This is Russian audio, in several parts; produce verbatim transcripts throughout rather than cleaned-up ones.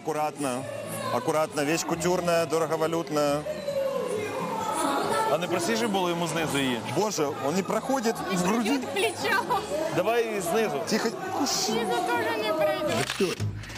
аккуратно. Аккуратно. Вещь кутюрная, дороговалютная. А не простіше було йому знизу її? Боже, он не проходит в груди. Плечо. Давай знизу. Тихо. Снизу тоже не пройдет.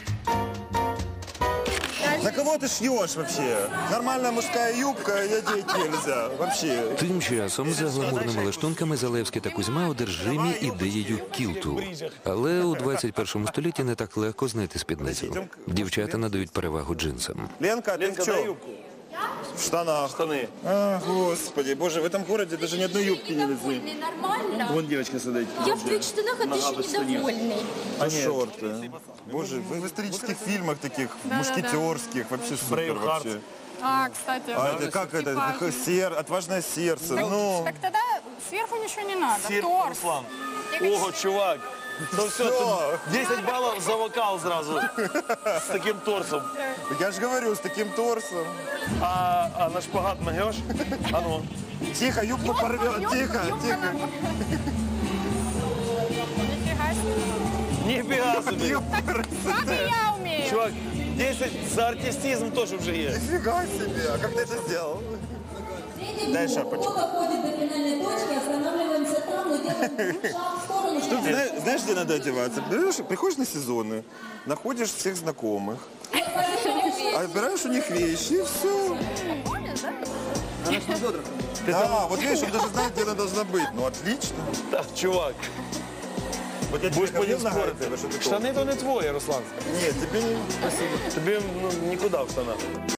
На кого ты шьешь вообще? Нормальная мужская юбка, и одеть нельзя. Вообще. Тим часом за гламурними лаштунками Залевський та Кузьма одержимі ідеєю кілту. Але у двадцять першому столітті не так легко знайти спідницю. Дівчата надають перевагу джинсам. Ленка, ты Ленка, в чём? дай юбку. В штанах. Штани. А, господи, боже, в этом городе даже ни одной юбки не видны. Нормально. Вон девочка сидит. Я в твоих штанах, а ты еще недовольный. А шорты? Боже, вы в исторических фильмах таких, мушкетерских, вообще супер Брейвхард. вообще. А, кстати. А это как это? Как сер, отважное сердце. Ну, Так тогда сверху ничего не надо. Сір, Торс. Руслан. Ого, чувак. Ну все, Всё. десять баллов за вокал зразу. З таким торсом. я же говорю, с таким торсом. А, а на шпагат могеш? А ну. Тихо, юбку порвет, тихо, тихо. Нифига себе. Ніфіга собі. Юбку порвет. Как и я умею. Чувак, десять за артистизм теж вже є. Нифига себе, а как ты это сделал? Дай шапочку. Доходит до финальной точки, останавливаемся там, но делаем шаг в сторону. Тут, знаешь, знаешь, где надо одеваться? Берешь, приходишь на сезоны, находишь всех знакомых, отбираешь у них вещи, и все. Да, вот видишь, он даже знает, где она должна быть. Ну, отлично. Так, чувак, Вот я будеш тебе потім говорил на спорити. Гайце, что ты Штани то не твої, Руслан. Нет, тебе не... Тобі ну, нікуди в штанах.